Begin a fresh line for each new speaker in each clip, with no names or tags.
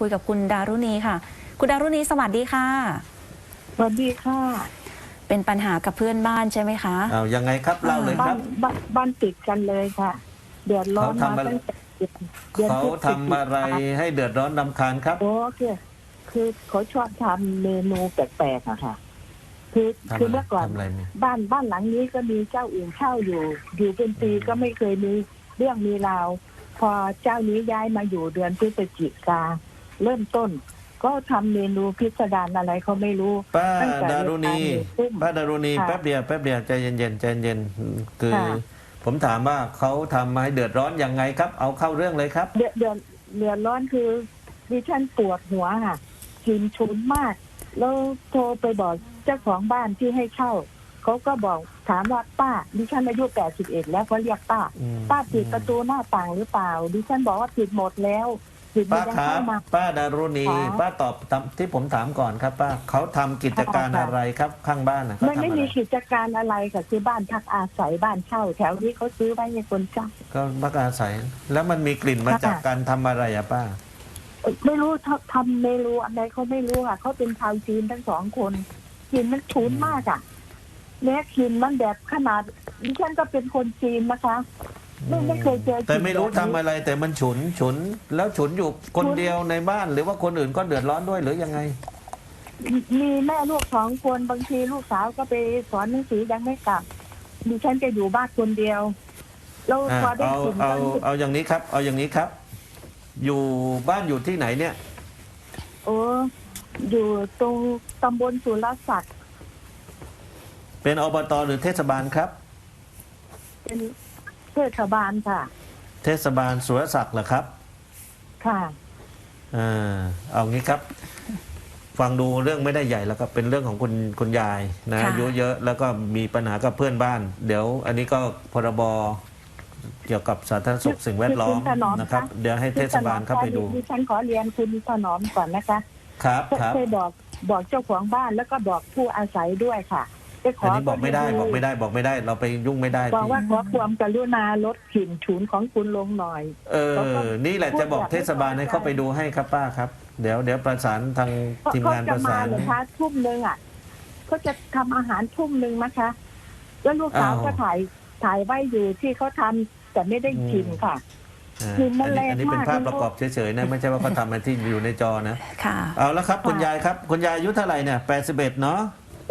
คุยกับคุณดารุณีค่ะคุณดารุณีสวัสดีค่ะ
สวัสดีค่ะ
เป็นปัญหากับเพื่อนบ้านใช่ไหมคะ
เอายังไงครับเล่าเลยครับ
บ้านติดกันเลยค่ะเดือดร้อนมาตั้งแต่เดือน
เขาทำอะไรให้เดือดร้อนรำคาญครับ
โอ้คือเขาชอบทำเมนูแปลกๆอะค่ะคือเมื่อก่อนบ้านหลังนี้ก็มีเจ้าอื่นเช่าอยู่เป็นปีก็ไม่เคยมีเรื่องมีราวพอเจ้านี้ย้ายมาอยู่เดือนพฤศจิกาเริ่มต้นก็ทำเมนูพิสดารอะไรเขาไม่รู้
ป้าดารุณีแป๊บเดียวใจเย็นคือผมถามว่าเขาทำให้เดือดร้อนยังไงครับเอาเข้าเรื่องเลยครับ
เดือดร้อนคือดิฉันปวดหัวค่ะกินชุนมากแล้วโทรไปบอกเจ้าของบ้านที่ให้เช่าเขาก็บอกถามว่าป้าดิฉันอายุ81แล้วเขาเรียกป้าปิดประตูหน้าต่างหรือเปล่าดิฉันบอกว่าปิดหมดแล้ว
ป้าครับป้าดารุณีป้าตอบที่ผมถามก่อนครับป้าเขาทำกิจการอะไรครับข้างบ้านนะ
ไม่มีกิจการอะไรค่ะคือบ้านพักอาศัยบ้านเช่าแถวนี้เขาซื้อไว้ให้คนเช่า
ก็พักอาศัยแล้วมันมีกลิ่นมาจากการทำอะไรอะป้า
ไม่รู้ทำเมนูอะไรเขาไม่รู้ค่ะเขาเป็นชาวจีนทั้ง2 คนกลิ่นมันฉุนมากอ่ะแม้กลิ่นมันแบบขนาดดิฉันก็เป็นคนจีนนะคะไม่เคยเจอ
แต่ไม่รู้ทำอะไรแต่มันฉุนแล้วฉุนอยู่คนเดียวในบ้านหรือว่าคนอื่นก็เดือดร้อนด้วยหรือยังไง
มีแม่ลูก2 คนบางทีลูกสาวก็ไปสอนหนังสือยังไม่กลับดิฉันจะอยู่บ้านคนเดียวเราพอได้กลิ่น
เอาอย่างนี้ครับเอาอย่างนี้ครับอยู่บ้านอยู่ที่ไหนเนี่ย
โอ้อยู่ตรงตำบลสุรศักดิ์
เป็นอบตหรือเทศบาลครับ
เป็นเทศบาลค่ะ
เทศบาลสุรศักดิ์เหรอครับ
ค่ะ
เอางี้ครับฟังดูเรื่องไม่ได้ใหญ่แล้วครับเป็นเรื่องของคุณยายนะอายุเยอะแล้วก็มีปัญหากับเพื่อนบ้านเดี๋ยวอันนี้ก็พรบเกี่ยวกับสาธารณสุขสิ่งแวดล้อมนะครับเดี๋ยวให้เทศบาลเข้าไปดู
ดิฉันขอเรียนคุณถนอมก่อนนะคะ
ครับ
เคยบอกเจ้าของบ้านแล้วก็บอกผู้อาศัยด้วยค่ะ
อันนี้บอกไม่ได้เราไปยุ่งไม่ได้
บอกว่าขอความกรุณาลดกลิ่นฉุนของคุณลงหน่อย
นี่แหละจะบอกเทศบาลให้เข้าไปดูให้ครับป้าครับเดี๋ยวประสานทางทีมงานประสาน
เลยคะทุ่มนึงอ่ะเขาจะทำอาหารทุ่มนึงนะคะแล้วลูกสาวก็ถ่ายไว้อยู่ที่เขาทำแต่ไม่ได้กินค่ะ
คือมันแรงมากอันนี้เป็นภาพประกอบเฉยๆนะไม่ใช่ว่าเขาทำอะไรที่อยู่ในจอนะ
ค่ะ
เอาแล้วครับคุณยายครับคุณยายอายุเท่าไหร่เนี่ย81เนาะ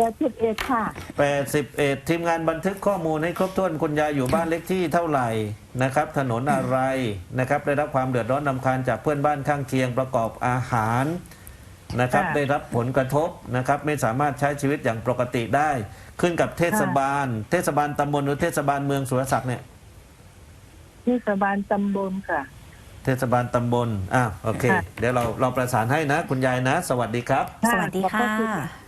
81ค่ะ
81ทีมงานบันทึกข้อมูลให้ครบถ้วนคุณยายอยู่บ้านเล็กที่เท่าไหร่นะครับถนนอะไรนะครับได้รับความเดือดร้อนรำคาญจากเพื่อนบ้านข้างเคียงประกอบอาหารนะครับได้รับผลกระทบนะครับไม่สามารถใช้ชีวิตอย่างปกติได้ขึ้นกับเทศบาลตำบลหรือเทศบาลเมืองสุรศักดิ์เนี่ย
เทศบาลตำบลค่ะ
เทศบาลตำบลโอเคเดี๋ยวเราประสานให้นะคุณยายนะสวัสดีครับ
สวัสดีค่ะ